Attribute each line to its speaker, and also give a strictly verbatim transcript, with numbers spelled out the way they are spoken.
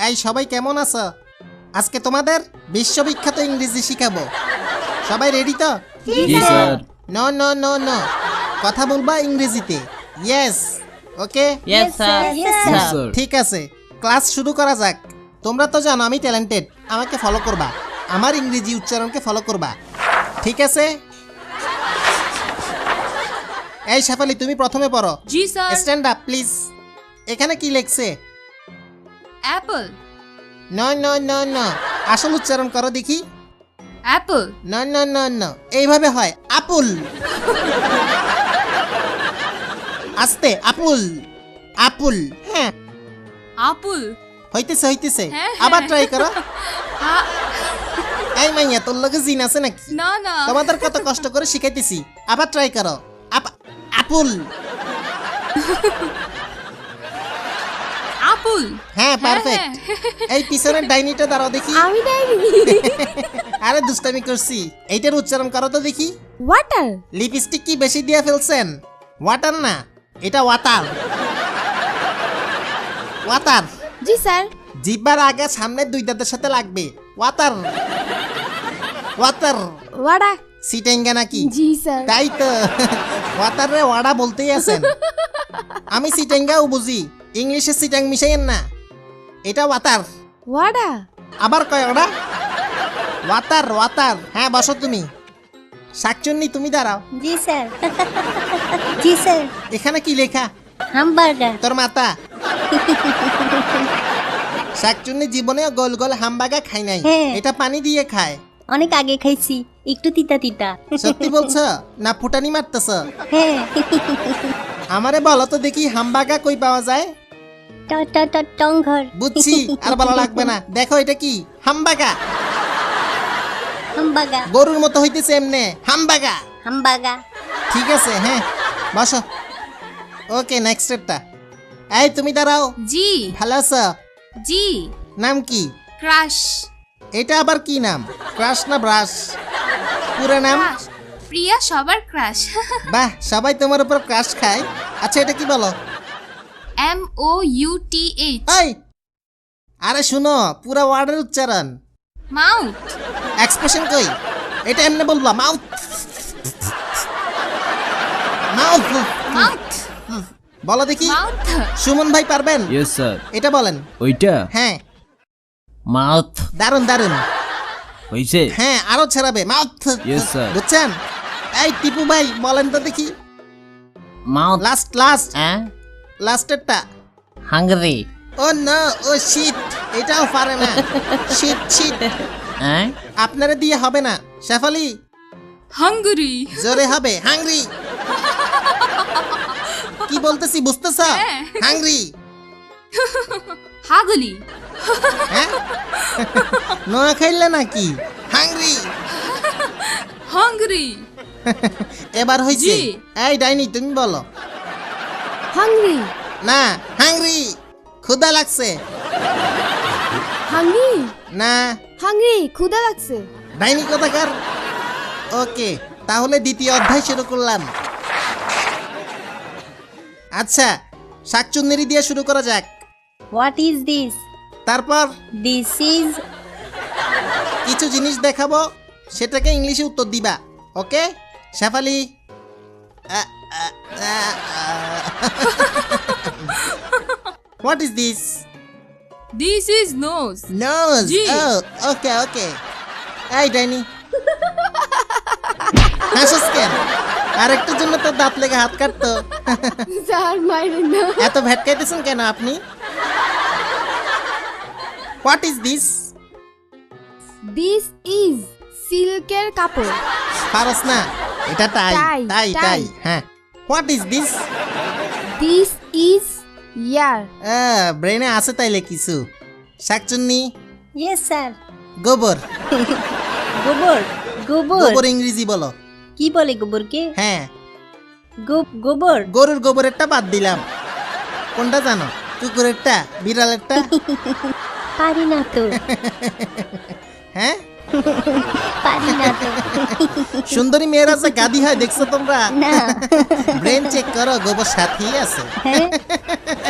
Speaker 1: এই সবাই কেমন আছো? আজকে তোমাদের বিশ্ববিখ্যাত ইংরেজি শিখাবো। সবাই রেডি তো?
Speaker 2: জি sir.
Speaker 1: No no no no, কথা বলবা ইংরেজিতে। Yes, okay.
Speaker 2: Yes sir.
Speaker 3: Yes,
Speaker 2: sir.
Speaker 1: ঠিক আছে, ক্লাস শুরু করা যাক। তোমরা তো জানো আমি ট্যালেন্টেড, আমাকে ফলো করবা, আমার ইংরেজি উচ্চারণকে ফলো করবা, ঠিক আছে? এই শেফালি, তুমি প্রথমে পড়ো।
Speaker 3: জি স্যার।
Speaker 1: Stand up please. এখানে কি লেখছে?
Speaker 3: Apple,
Speaker 1: no no no no, আসল উচ্চারণ করো দেখি।
Speaker 3: Apple,
Speaker 1: no no no no, এইভাবে হয় আপুল। আস্তে, আপুল আপুল। হ্যাঁ,
Speaker 3: আপুল,
Speaker 1: হইতেছে হইতেছে,
Speaker 3: হ্যাঁ,
Speaker 1: আবার
Speaker 3: হ্যাঁ।
Speaker 1: ট্রাই করো।
Speaker 3: আ-
Speaker 1: এই মাইয়া, তোর লগে জিন আছে নাকি?
Speaker 3: না না,
Speaker 1: তোমাদের কত কষ্ট করে শিখাইতেছি, আবার ট্রাই করো। আপ- আপুল।
Speaker 3: আপুল,
Speaker 1: হ্যাঁ, পারফেক্ট। এই পিছনের ডাইনিটা দাঁড়াও দেখি।
Speaker 4: আমি ডাইনি।
Speaker 1: আরে দুষ্টামি করছি, এইটার উচ্চারণ করো তো দেখি।
Speaker 4: ওয়াটার।
Speaker 1: লিপস্টিক কি বেশি দিয়ে ফেলছেন? ওয়াটার না, এটা ওয়াটার। ওয়াটার।
Speaker 4: জি স্যার।
Speaker 1: জিব্বার আগে সামনের দুই দাঁতের সাথে লাগবে। Water water.
Speaker 4: ওয়াডা।
Speaker 1: সিটেঙ্গা নাকি?
Speaker 4: জি স্যার।
Speaker 1: তাই তো, ওয়াটার রে ওয়াডা বলতেই আছেন। আমি সিটেঙ্গাও বুঝি, ইংলিশে সিটাং মিশাইয়েন না। এটা ওয়াটার।
Speaker 4: ওয়াডা।
Speaker 1: আবার কয় ওটা? Water water. হ্যাঁ, বসো তুমি। শাকচুন্নি, তুমি দাঁড়াও।
Speaker 5: জি স্যার। জি স্যার।
Speaker 1: এখানে কি লেখা?
Speaker 5: হামবার্গার।
Speaker 1: তোর মাতা। শাকচুন্নি জীবনেও গোল গোল হামবাগা খাই নাই,
Speaker 5: হ্যাঁ।
Speaker 1: এটা পানি দিয়ে খায়।
Speaker 5: অনেক আগে খাইছি, একটু তিতা তিতা।
Speaker 1: সত্যি বলছো না ফুটানি মারতেছ?
Speaker 5: হ্যাঁ।
Speaker 1: আমারে বলো তো দেখি, হামবাগা কই পাওয়া যায়?
Speaker 5: ট ট ট টংঘর।
Speaker 1: বুঝছি, আর বলা লাগবে না। দেখো এটা কি? হামবাগা।
Speaker 5: হামবাগা।
Speaker 1: গরুর মতো হইতেছে এমনে, হামবাগা।
Speaker 5: হামবাগা।
Speaker 1: ঠিক আছে, হ্যাঁ, বসো। ওকে, নেক্সট স্টেপটা। এই তুমি দাঁড়াও।
Speaker 3: জি
Speaker 1: ভালো আছো?
Speaker 3: জি,
Speaker 1: নাম কি?
Speaker 3: ক্রাশ,
Speaker 1: এটা আবার কি নাম? ক্রাশ না ব্রাশ? পুরো নাম?
Speaker 3: ক্রাশ, প্রিয়া সবার ক্রাশ।
Speaker 1: বাহ, সবাই তোমার উপর ক্রাশ খায়। আচ্ছা, এটা কি বলো?
Speaker 3: M O U T H,
Speaker 1: এই, আরে শুনো, পুরো ওয়ার্ডের উচ্চারণ।
Speaker 3: মাউথ,
Speaker 1: এক্সপ্রেশন কই? এটা এমনি বলবা, মাউথ মাউথ।
Speaker 3: মাউথ,
Speaker 1: বলো দেখি।
Speaker 3: মাউথ,
Speaker 1: সুমন ভাই পারবেন?
Speaker 2: Yes sir.
Speaker 1: এটা বলেন।
Speaker 2: ওইটা
Speaker 1: হ্যাঁ,
Speaker 2: মাউথ
Speaker 1: দারুন দারুন।
Speaker 2: হইছে।
Speaker 1: হ্যাঁ, আরো ছাড়াবে, মাউথ।
Speaker 2: Yes, sir.
Speaker 1: বুঝছেন? এই টিপু ভাই বলেন তো দেখি।
Speaker 2: মাউথ।
Speaker 1: লাস্ট লাস্ট
Speaker 2: হ্যাঁ,
Speaker 1: লাস্টেরটা।
Speaker 2: হাঙ্গরি।
Speaker 1: ও না, ও শিট, এটাও পারে না। Shit shit.
Speaker 2: হ্যাঁ,
Speaker 1: আপনারা দিয়ে হবে না। শেফালি,
Speaker 3: হাঙ্গরি,
Speaker 1: জোরে হবে, হাংরি। কি বলতেছি বুঝতেছ?
Speaker 3: হ্যাঁ।
Speaker 1: হাংরি।
Speaker 3: হাগলি,
Speaker 1: হ্যাঁ, নোয়া খাইলে নাকি? হাংরি।
Speaker 3: হাঙ্গরি,
Speaker 1: এবার হইছে।
Speaker 3: জি।
Speaker 1: এই ডাইনি, তুমি বলো।
Speaker 4: হাংরি।
Speaker 1: না, হাংরি। ক্ষুধা লাগছে।
Speaker 4: হাংরি।
Speaker 1: না,
Speaker 4: হাংরি, ক্ষুধা লাগছে।
Speaker 1: ডাইনি কোথাকার। ওকে, তাহলে দ্বিতীয় অধ্যায় শুরু করলাম। আচ্ছা, শাকচুন্নেরি দিয়ে শুরু করা যাক।
Speaker 5: What is this?
Speaker 1: তারপর
Speaker 5: দিস ইজ।
Speaker 1: কিছু জিনিস দেখাবো, সেটাকে ইংলিশে উত্তর দিবা। Okay Shefali? What is this?
Speaker 3: This is nose,
Speaker 1: nose.
Speaker 3: জি।
Speaker 1: Okay okay. এই ডাইনি, হাসিস কেন? আরেকটার জন্য তো দাঁত লেগে হাত কাটতো।
Speaker 4: স্যার মাইরেন না।
Speaker 1: এত ভেটকাইতেছেন কেন আপনি? What is this?
Speaker 4: This is সিল্কের কাপড়।
Speaker 1: পারস না, এটা টাই
Speaker 4: টাই,
Speaker 1: টাই
Speaker 4: টাই।
Speaker 1: টাই। হ্যাঁ, what is this?
Speaker 4: This is ear.
Speaker 1: ব্রেনে আছে তাইলে কিছু। শাকচুন্নি,
Speaker 5: ইয়েস স্যার।
Speaker 1: গোবর।
Speaker 5: গোবর। গোবর।
Speaker 1: গোবর ইংরেজি বলো।
Speaker 5: কি বলে গোবরকে?
Speaker 1: হ্যাঁ,
Speaker 5: গো- গোবর।
Speaker 1: গরুর গোবরেরটা বাদ দিলাম। কোনটা জানো? কুকুরেরটা, বিড়ালেরটা?
Speaker 5: পারি না তো।
Speaker 1: হ্যাঁ,
Speaker 5: পারি না তো।
Speaker 1: সুন্দরী মেয়েরা যে গাদি হয় দেখছো তোমরা?
Speaker 5: না।
Speaker 1: ব্রেন চেক করো, গোবর সাথেই আছে।
Speaker 5: হ্যাঁ।